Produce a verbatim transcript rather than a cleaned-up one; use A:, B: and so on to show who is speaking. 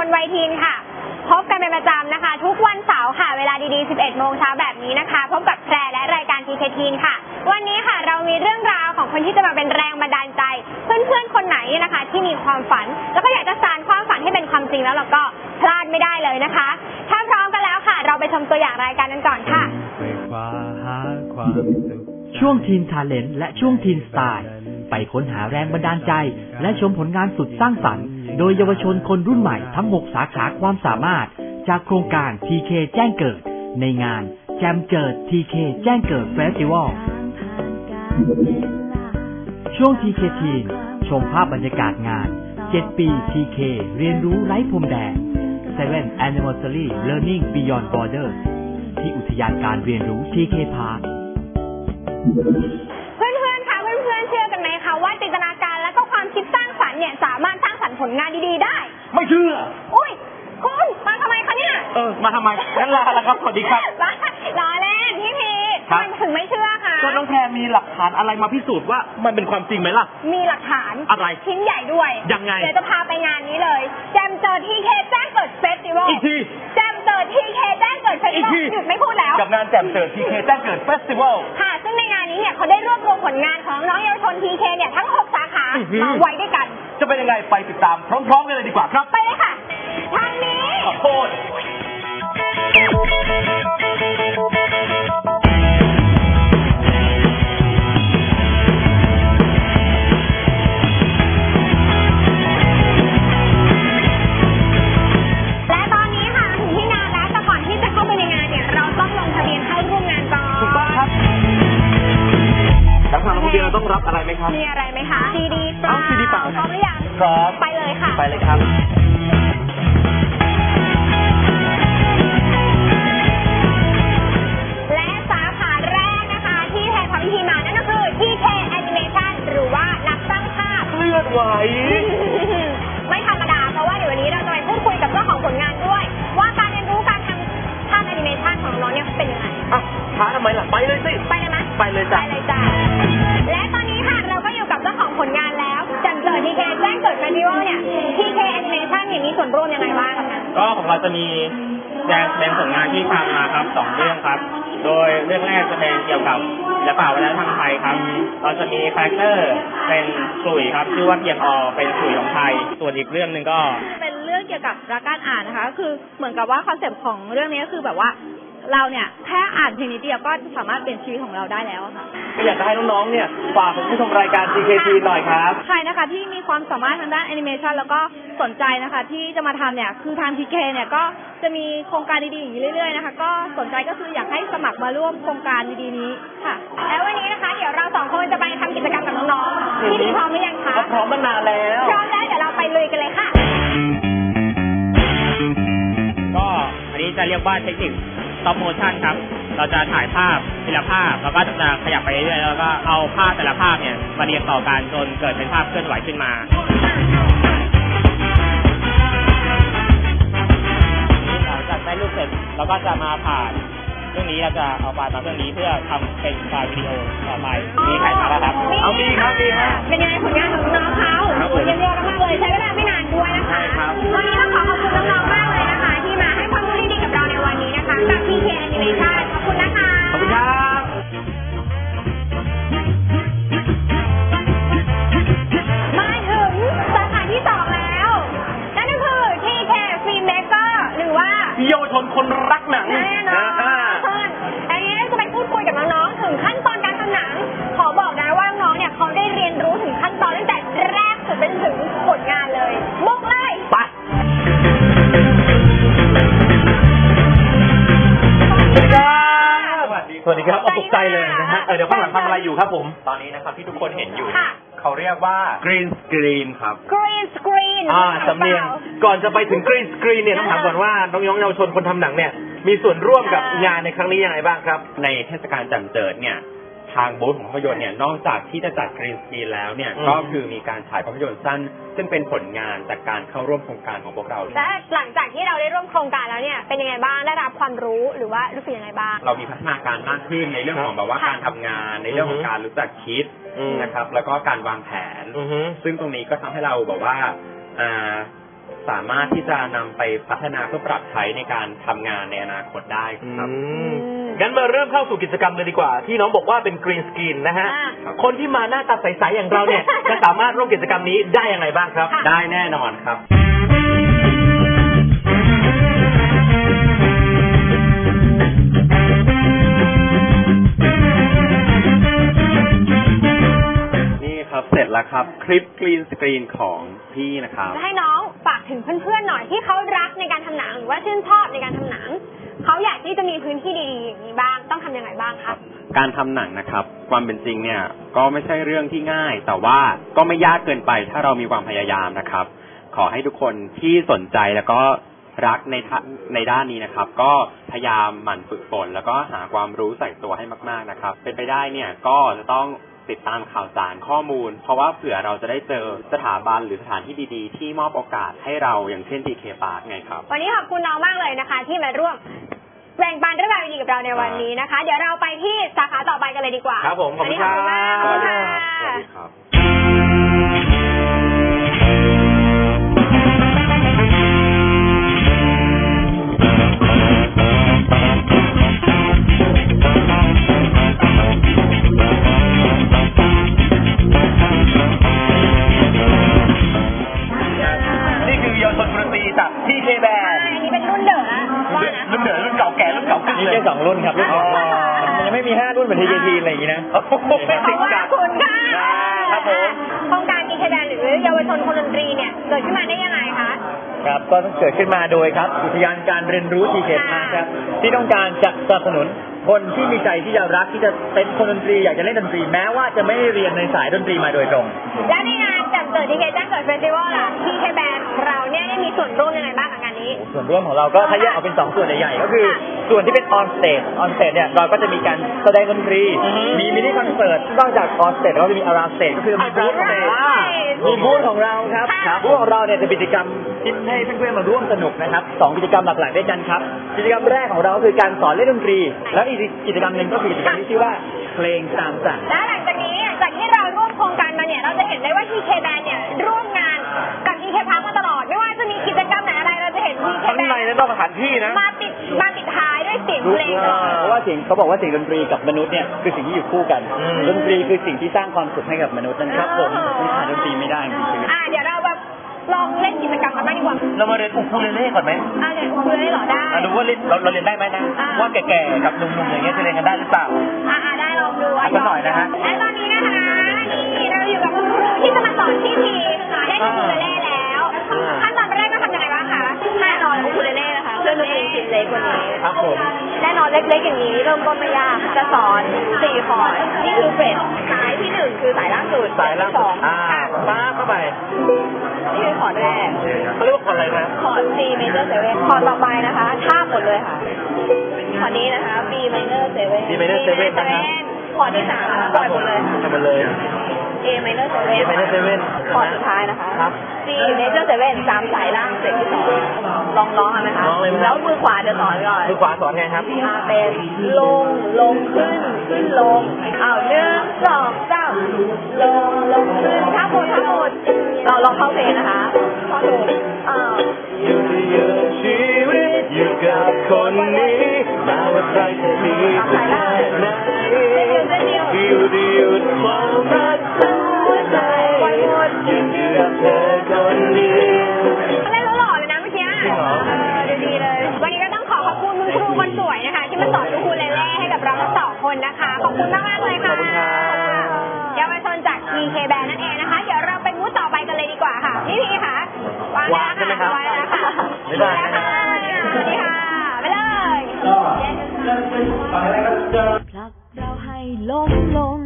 A: นวัยทีนค่ะพบกันเป็นประจำนะคะทุกวันเสาร์ค่ะเวลาดีๆ สิบเอ็ดโมงเช้าแบบนี้นะคะพบกับแพรและรายการ ที เค ทีน ค่ะวันนี้ค่ะเรามีเรื่องราวของคนที่จะมาเป็นแรงบันดาลใจเพื่อนๆคนไหนนะคะที่มีความฝันแล้วก็อยากจะสานความฝันให้เป็นความจริงแล้วเราก็พลาดไม่ได้เลยนะคะถ้าพร้อมกันแล้วค่ะเราไปชมตัวอย่างรายการกันก่อนค่ะ
B: ช่วงทีนทาเลนต์และช่วงทีนสไตล์ไปค้นหาแรงบันดาลใจและชมผลงานสุดสร้างสรรค์โดยเยาวชนคนรุ่นใหม่ทั้งหกสาขาความสามารถจากโครงการ ที เค แจ้งเกิดในงานแจมเจิด ที เค แจ้งเกิดเฟสติวัลช่วง ที เค ทีน ชมภาพบรรยากาศงานเจ็ดปี ที เค เรียนรู้ไร้พรมแดน seventh Anniversary Learning Beyond Borders ที่อุทยานการเรียนรู้ ที เค Park
A: เพื่อนๆค่ะเพื่อนๆเชื่อกันไหมคะว่าจินตนาการและก็ความคิดสร้างสรรค์เนี่ยสามารถสร้างสรรค์ผลงานดีๆได้
C: ไม่เชื่อ
A: อุ้ยคุณมาทำไมคะเนี่ย
C: เออมาทำไมงั้นลาแล้วครับสวัสดีครับ
A: ล้อเล่นพี่พีทำไมถึงไม่เชื่อคะ
C: ก็น้องแพรมีหลักฐานอะไรมาพิสูจน์ว่ามันเป็นความจริงไหมล่ะ
A: มีหลักฐาน
C: อะไร
A: ชิ้นใหญ่ด้วย
C: ยังไง
A: เดี๋ยวจะพาไปงานนี้เลยแจมเจอ ที เค แจ้งเกิดเฟสติวัล
C: อีกที
A: แจมเจอ ที เค แจ้งเกิดเฟสติวัลหยุดไม่พูดแล้ว
C: กับงานแจมเจอ ที เค แจ้งเกิดเฟสติวัล
A: ค่ะซึ่งในงานนี้เนี่ยเขาได้รวบรวมผลงานของน้องเยาวชน ที เค เนี่ยทั้งหกสาขามาไว้ด้วยกัน
C: จะเป็นยังไงไปติดตามพร้อมๆกันเลยดีกว่าครับ
A: ไปเลยค่ะทางนี้
C: ขอโทษเราต้องรับอะไรไหมครับ
A: มีอะไรไหมคะซีดีเปล่า
C: ซีดีเปล่า
A: พร้อมหรือยัง
C: พร้อม
A: ไปเลยค่ะ
C: ไปเลยครับ
A: และสาขาแรกนะคะที่แพรทำพิธีมานั่นก็คือ ที เค Animation หรือว่านักสร้างภาพ
C: เคลื่อนไหว
A: ไม่ธรรมดาเพราะว่าเดี๋ยววันนี้เราจะไปพูดคุยกับเจ้าของผลงานด้วยว่าการเรียนรู้การทำภาพแอนิเมชันของน้องเนี่ยเป็นยังไง
C: อ่ะช้าทำไมล่ะไปเลยสิ
A: ไปเลยไหม
C: ไปเลยจ้ะ
A: ไปเลยจ้ะและตอนนี้ค่ะเราก็อยู่กับเจ้าของผลงานแล้วแจมเจิด ที เค แจ้งเกิดเฟสติวัลเนี่ย ที เค Animation เนี่ยมีส่วนร่วมยังไงบ้างคะ
D: ก็ของเราจะมีแสดงเป็นผลงานที่ทำมาครับสองเรื่องครับโดยเรื่องแรกจะเป็นเกี่ยวกับศิลปะวัฒนธรรมไทยครับเราจะมีคาแรคเตอร์เป็นขลุ่ยครับชื่อว่าเพียงอเป็นขลุ่ยของไทยส่วนอีกเรื่องหนึ่งก็
E: เป็นเรื่องเกี่ยวกับรักการอ่านนะคะก็คือเหมือนกับว่าคอนเซปต์ของเรื่องนี้ก็คือแบบว่าเราเนี่ยแค่อ่านเพียงนิดเดียวก็สามารถเปลี่ยนชีวิตของเราได้แล้วค่ะ
C: ก็อยากจะให้น้องๆเนี่ยฝากผู้ชมรายการ ที เค ที หน่อยครับ
E: ใครนะคะที่มีความสามารถทางด้านแอนิเมชันแล้วก็สนใจนะคะที่จะมาทำเนี่ยคือทาง ที เค เนี่ยก็จะมีโครงการดีๆอย่างนี้เรื่อยๆนะคะก็สนใจก็คืออยากให้สมัครมาร่วมโครงการดีๆนี้ค่ะ
A: แล้ววันนี้นะคะเดี๋ยวเราสองคนจะไปทำกิจกรรมกับน้องๆที่พร้อมหรือยังคะ
C: พร้อมมานานแล้ว
A: พร้อมแล้วเดี๋ยวเราไปลุยกันเลยค่ะ
D: ก็อันนี้จะเรียกว่าเทคนิคstop motion ครับเราจะถ่ายภาพทีละภาพแล้วก็จะขยับไปเรื่อยๆแล้วก็เอาภาพแต่ละภาพเนี่ยมาเรียงต่อกันจนเกิดเป็นภาพเคลื่อนไหวขึ้นมาหลังจากได้รูปเสร็จเราก็จะมาผ่านเรื่องนี้เราจะเอาไฟล์มาเรื่องนี้เพื่อทำเป็นไฟล์วิดีโอต่อไปมีถ่ายมาแล้วครับ
A: เอามีครับมีครับเป็นยังไงผลงานของน้องเขาเยี่ยมยอดมากเลยใช้เวลาไม่นานด้วยนะคะวันนี้ต้องขอขอบคุณน้องๆมากเลยนะคะที่มาให้ความรู้ดีๆกับเราในวันนี้นะคะกับ ที เค Animation ขอบคุณนะคะ
C: ขอบคุณครับ
A: มาถึงสาขาที่สองแล้วนั่นก็คือ ที เค Filmmaker หรือว่า
C: เยาวชนคนรักหนัง
A: แน่นอนอันนี้จะไปพูดคุยกับน้องๆถึงขั้นตอนการทำหนังขอบอกนะว่าน้องๆเนี่ยเขาได้เรียนรู้ถึงขั้นตอนตั้งแต่แรกสุดเป็นถึงผลงานเลยบุกเลย
C: ไปสวัสดีครับเอาตกใจเลยนะฮะเดี๋ยวข้างหลังทำอะไรอยู่ครับผม
D: ตอนนี้นะครับที่ทุกคนเห็นอยู่เขาเรียกว่า
C: green screen ครับ
A: green screen
C: อ่าสำเนียงก่อนจะไปถึง green screen เนี่ยต้องถามก่อนว่าน้องๆเยาวชนคนทำหนังเนี่ยมีส่วนร่วมกับงานในครั้งนี้ยังไงบ้างครับ
D: ในเทศกาลแจ่มเจิดเนี่ยทางบูธของภาพยนตร์เนี่ยนอกจากที่จะจัดกรีนสกรีนแล้วเนี่ยก็คือมีการฉายภาพยนตร์สั้นซึ่งเป็นผลงานจากการเข้าร่วมโครงการของพวกเรา
A: และหลังจากที่เราได้ร่วมโครงการแล้วเนี่ยเป็นยังไงบ้างได้รับความรู้หรือว่ารู้สึกยังไงบ้าง
D: เรามีพัฒนาการมากขึ้นในเรื่องของแบบว่าการทำงานในเรื่องของการรู้จักคิดนะครับแล้วก็การวางแผนซึ่งตรงนี้ก็ทำให้เราแบบว่าสามารถที่จะนำไปพัฒนาเพื่อปรับใช้ในการทำงานในอนาคตได้ครับ
C: อืมงั้นมาเริ่มเข้าสู่กิจกรรมเลยดีกว่า ที่น้องบอกว่าเป็นกรีนสกรีนนะฮะ
A: อ่า
C: คนที่มาหน้าตาใสๆอย่างเราเนี่ย จะสามารถร่วมกิจกรรมนี้ได้ยังไงบ้างครับ
D: ได้แน่นอนครับ นี่ครับเสร็จแล้วครับคลิปกรีนสกรีนของพี่นะครับ
A: จะให้น้องฝากถึงเพื่อนๆหน่อยที่เขารักในการทำหนังหรือว่าชื่นชอบในการทำหนังเขาอยากที่จะมีพื้นที่ดีๆอย่างนี้บ้างต้องทำยังไงบ้างคะ
D: การทำหนังนะครับความเป็นจริงเนี่ยก็ไม่ใช่เรื่องที่ง่าย แต่ว่าก็ไม่ยากเกินไปถ้าเรามีความพยายามนะครับ ขอให้ทุกคนที่สนใจแล้วก็รักในในด้านนี้นะครับ ก็พยายามหมั่นฝึกฝนแล้วก็หาความรู้ใส่ตัวให้มากๆนะครับ เป็นไปได้เนี่ยก็จะต้องติดตามข่าวสารข้อมูล เพราะว่าเผื่อเราจะได้เจอสถาบันหรือสถานที่ดีๆ ที่มอบโอกาสให้เราอย่างเช่น ที เค Park ไงครับ
A: วันนี้ขอบคุณน้องมากเลยนะคะ ที่มาร่วมแบ่งปันเรื่องราวดีๆกับเราในวันนี้นะคะ เดี๋ยวเราไปที่สาขาต่อไปกันเลยดีกว่า
C: ครับผมขอบคุณ
A: วันนี้ขอบคุณมาก
C: ค
A: ข
C: รั
A: อบบ คุณค่ะ
D: สวัสดีครับ
C: นี่คือเยาวชนดนตรีจาก ที เค Band
A: อันนี้เป็นรุ่นเด๋อนะว่านะ
C: รุ่นเดือดรุ่นเก่าแก่รุ่นเก่าขึ้น
D: มี
C: เลย
D: แค่สองรุ่นครับรุ่น
A: อ๋อ
D: มันยังไม่มีห้ารุ่นเหมือน ที เค ที อะไรอย่างนี้นะ
C: โอ้โหไม่
A: ข
C: ติ
A: อ
C: ด
A: บ
C: จัด
A: คุณค่ะ
C: ครับผม
A: โครงการ ที เค Band หรือเยาวชนคนดนตรีเนี่ยเกิดขึ้นมาได้ยังไงคะ
F: ครับก็เกิดขึ้นมาโดยครับอุทยานการเรียนรู้ ที เค Park ครับที่ต้องการจะสนับสนุนคนที่มีใจที่จะรักที่จะเป็นคนดนตรีอยากจะเล่นดนตรีแม้ว่าจะไม่ได้เรียนในสายดนตรีมาโดยตรง
A: และในงานจัดเกิด ที เค แจ้งเกิดเฟสติวัลล่ะ ที เค Band ของเราเนี่ยได้มีส่วนร่วมยังไงบ้างกับงานนี้
F: ส่วนร่วมของเราก็ถ้าแยกออกเป็นสองส่วนใหญ่ๆก็คือส่วนที่เป็นออนสเตจออนสเตจเนี่ยเราก็จะมีการแสดงดนตรี มีมินิคอนเสิร์ตนอกจากออนสเตจเราก็จะมีอาราสเตจก็คือมีบูธ
A: Around
F: มีบูธของเราครับ
A: ค่ะ
F: บูธของเราเนี่ยจะเป็นกิจกรรมที่ให้เพื่อนๆมาร่วมสนุกนะครับสองกิจกรรมหลักๆด้วยกันครับกิจกรรมแรกของเราก็คือการสอนเล่นดนตรี แล้วอีกกิจกรรมหนึ่งก็คือกิจกรรมที่ชื่อว่าเพลงตามสั่ง
A: และหลังจากนี้จากที่เราร่วมโครงการมาเนี่ยเราจะเห็นได้ว่า ที เค Band เนี่ยร่วมงานกับ ที เค Park มาตลอด ไม่ว่าจะมีกิจกรรมไหนอะไรเราจะเห็น ที เค
C: ทั้งใน
A: Band
C: และนอกสถานที่นะ
A: มาติดมาติดท้ายด้วยเสียงเพลงตลอด
F: เพราะว่าเสียงเขาบอกว่าเสียงดนตรีกับมนุษย์เนี่ยคือสิ่งที่อยู่คู่กัน
C: อืม
F: ดนตรีคือสิ่งที่สร้างความสุขให้กับมนุษย์นั่นครับผมที่ขาดดนตรีไม่ได้จริงๆ
A: อ่าเดี๋ยวเราแบบลองเล่นกิจกรรมกันบ้างดีกว่า
C: เรามาเรียนอูคูเลเล่ก่อนไหม
A: อ่าเดี๋ยวคุณได้เหรอได้
C: อ่ะดูว่าเล่นเราเราเรียนได้ไหมนะ
A: อ่า
C: ว่าแก่ๆกับหนุ่มๆอย่างเงี้ยจะเรียนกันได้หรือเปล่า
A: อ่าอ่าได้ลองดู
C: อ่ะสักหน่อยนะฮะ
A: และตอนนี้นะคะนี่เราอยู่กับคุณครูที่จะมาสอนที่ทีค่ะเล่นอูคูเลเล่แล้วขั้นตอนแรกก็ทำยังไงบ้างคะแน่นอนอูคูเลเล่นะคะเพื่อนดนตรีชิ้นเล็กกว่านี้
C: ครับผม
A: แน่นอนเล็กๆอย่างนี้เริ่มต้นไม่ยากค่ะจะสอนสี่คอร์ดนี่คือเฟรดสายที่หนึ่งคือสายล่างสุด
C: สายล่าง
A: สอง
C: อ่าป้าเข้าไป
A: นี่คือคอร์ดแรก
C: เขาเรียกว่าคอร์ดอะไรนะ
A: คอร์ด C major seven คอร์ดต่อไปนะคะท่าบหมดเลยค่ะคอร์ดนี้นะคะ B minor seven
C: B minor seven นะครับ
A: คอร์ดที่สามนะคะปล่อยหมดเลย
C: ทำมันเลย
A: A minor seven
C: A minor seven
A: คอร์ดสุดท้ายนะคะ
C: ครับ
A: C major seven สามสายล่างเสร็จที่สองลองร้องกันไหมคะ
C: ร้องเลยไหม
A: แล้วมือขวาจะสอนก่อน
C: มือขวาสอนไงครับ
A: อ่าเป็นลงลงขึ้นขึ้นลงอ้าวหนึ่งสองสามลงลงขึ้นท่าหมดท่าหมดเราลองเข้าเพลงนะคะท่อนถูกอ้าว
C: อยู่ที่ยืนชีวิตอยู่กับคนนี้แม้ว่าใครจะมีสักแค่ไหนอยู่ที่หยุดความรักทั้งหัวใจยืนอยู่กับเธอคนเดียว
A: เล่นแล้วหล่อเลยนะเมื่อกี้
C: จริงเหรอ
A: เออดูดีเลย วันนี้ก็ต้องขอขอบคุณคุณครูคนสวยนะคะ ที่มาสอนอูคูเลเล่ให้กับเราทั้งสองคนนะคะ ขอบคุณมากมากๆเลยค่ะ
C: ขอบคุณครับ
A: เยาวชนจาก ที เค Band นั่นเองนะคะ เดี๋ยวเราไปมูดต่อไปกันเลยดีกว่าค่ะ พี่พีค่ะวาง
C: วางใช่ไหมครับ
A: วางแล้วค่ะ
C: บ๊ายบาย
A: ค่ะสวัสดีค่ะ ไปเลย
G: ผลักเราให้ล้มลง